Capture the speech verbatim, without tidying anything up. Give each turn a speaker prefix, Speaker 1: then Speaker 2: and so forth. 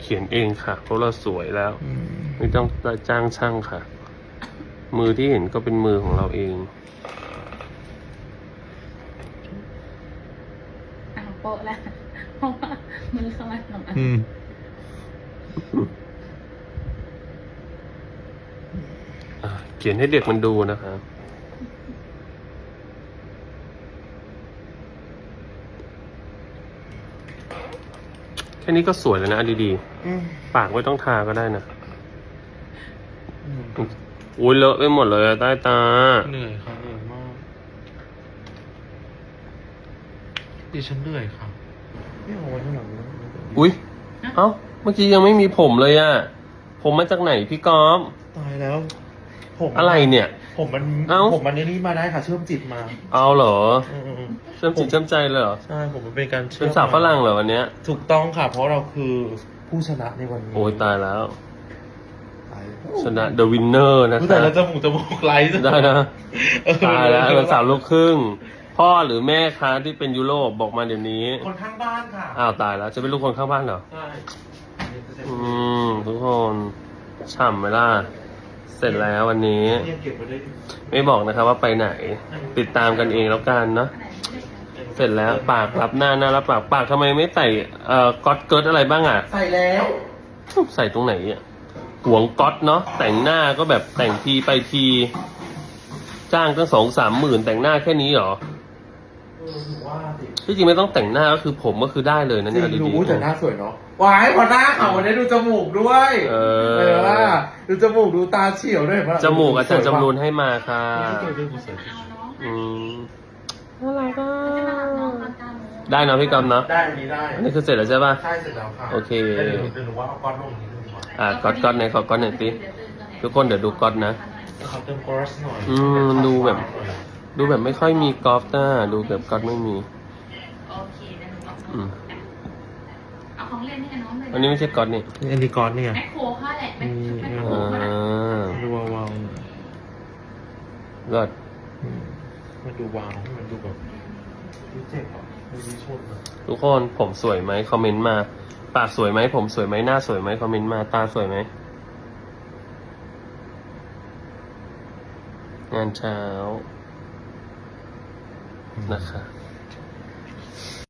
Speaker 1: ขียนเองค่ะเพราะเราสวยแล้วไม่ต้องจ้างช่างค่ะ มือที่เห็นก็เป็นมือของเราเอง
Speaker 2: อ่ะโปะแล้วเพราะว่ามือเข้ามาสองอัน
Speaker 1: อืมอ่ะเขียนให้เด็กมันดูนะคะแค่นี้ก็สวยแล้วนะดีๆปากไม่ต้องทาก็ได้นะอุ้ยเลอะไปหมดเลยใต้ตา
Speaker 3: เหนื่อยค่ะเหนื่อยมากดิฉันเหนื่อยค่ะไม่เอาไว้ข้างหลังนะ
Speaker 1: อุ้ยเอ้าเมื่อกี้ยังไม่มีผมเลยอะผมมาจากไหนพี่ก๊อฟ
Speaker 3: ตายแล้วผม
Speaker 1: อะไรเนี่ย
Speaker 3: ผมมัน
Speaker 1: เอ้า
Speaker 3: ผมมันนี่มาได้ค่ะ เชื่อมจิตมา
Speaker 1: เอาเหรอ
Speaker 3: อืม
Speaker 1: เชื่อมจิตเชื่อมใจเลยเหรอ
Speaker 3: ใช่ผมมันเป็นการเชื่อ
Speaker 1: เป็
Speaker 3: ม
Speaker 1: นสาวฝรั่งเหรอวันเนี้ย
Speaker 3: ถูกต้องค่ะ เพราะเราคือผู้ชนะในวันนี้
Speaker 1: โอ้ยตายแล้ว
Speaker 3: ตาย
Speaker 1: ชนะ The Winner นะ
Speaker 3: อุ๊ย
Speaker 1: ค
Speaker 3: แต่
Speaker 1: รับ
Speaker 3: เราจมูกจมูกไลท์
Speaker 1: ได้นะ
Speaker 3: เออ
Speaker 1: ตายแล้วเป็นสาวลูกครึ่ง พ่อหรือแม่คะที่เป็นยุโรปบอกมาเดี๋ยวนี้
Speaker 3: คนข้างบ้านค่ะ
Speaker 1: อ้าวตายแล้วจะเป็นลูกคนข้างบ้านเหรอ
Speaker 3: ใช่
Speaker 1: อืมทุกคนฉ่ำไหมล่ะ เสร็จแล้ววันนี้
Speaker 3: เนี่ยเก็บไว้ได้ดิ
Speaker 1: ไม่บอกนะครับว่าไปไหน ติดตามกันเองแล้วกันเนาะ เสร็จแล้วปากรับหน้าหน้ารับปากปากทำไมไม่ใส่เอ่อก๊อตเกิร์ตอะไรบ้างอ่ะ
Speaker 3: ใส่แล้ว
Speaker 1: ใส่ตรงไหนอ่ะหวงก๊อตเนาะแต่งหน้าก็แบบแต่งทีไปที จ้างตั้งสองสามหมื่นแต่งหน้าแค่นี้เหรอ
Speaker 3: เออถือว่าสิ
Speaker 1: ที่จริงไม่ต้องแต่งหน้าก็คือผมก็คือได้เลยนะ
Speaker 3: จ
Speaker 1: เนี่ย
Speaker 3: ริง
Speaker 1: ดี
Speaker 3: ดูแต่หน้าสวยเนาะวายพอหน้าขาววันนี้ดูจมูกด้วย
Speaker 1: เออ
Speaker 3: เห็นว่าดูจมูกดูตาเฉียวด้วยเห็นปะ
Speaker 1: จมูกอาจารย์จำรูนให้มาค่ะ
Speaker 3: เดี๋ยวเดี๋ยวกูสวย
Speaker 2: เอาน้อง
Speaker 1: อืมน่ารักอ่ะ
Speaker 2: จะมารับน้องตอนเก้าโมง
Speaker 1: ได้เนาะพี่กอมเนาะ
Speaker 3: ได้อันนี้ได้
Speaker 1: อันนี้คือเสร็จแล้วใช่ป่ะ
Speaker 3: ใช่เสร็จแล้วค่ะ
Speaker 1: โอเค
Speaker 3: แล้วเดี๋ยวเดี๋ยวหนูว่าเอาก้อนลงนี้ดีกว่า
Speaker 1: อ่ะก๊อตก๊อตไหนขอก๊อตหน่อยสิทุกคนเดี๋ยวดูก๊อตนะ
Speaker 3: ขอเติมกรอสหน่อย
Speaker 1: อืมดูแบบ ดูแบบไม่ค่อยมีกอล์ฟนะดูแบบก๊อตไม่มี
Speaker 2: โอเคเดี๋ยวหนูเอา
Speaker 1: อืม
Speaker 2: เอาของเล่นให้กับน้องเลย
Speaker 1: อันนี้ไม่ใช่ก๊อตนี่
Speaker 3: อันนี้ก้อนเนี่ย
Speaker 2: แมคโครเขาแหละแมคแมคโคร
Speaker 1: อ่
Speaker 2: เขาแหละ
Speaker 1: า
Speaker 3: ดูวาวๆหน่อย
Speaker 1: ก็
Speaker 3: อืมมันดูวาวให้มันดูแบบดูเจ็บอ่ะดูดีชนอ่ะ
Speaker 1: ทุกคนผมสวยไหมคอมเมนต์มา ปากสวยไหมผมสวยไหมหน้าสวยไหมคอมเมนต์มาตาสวยไหมงานเช้านะคะ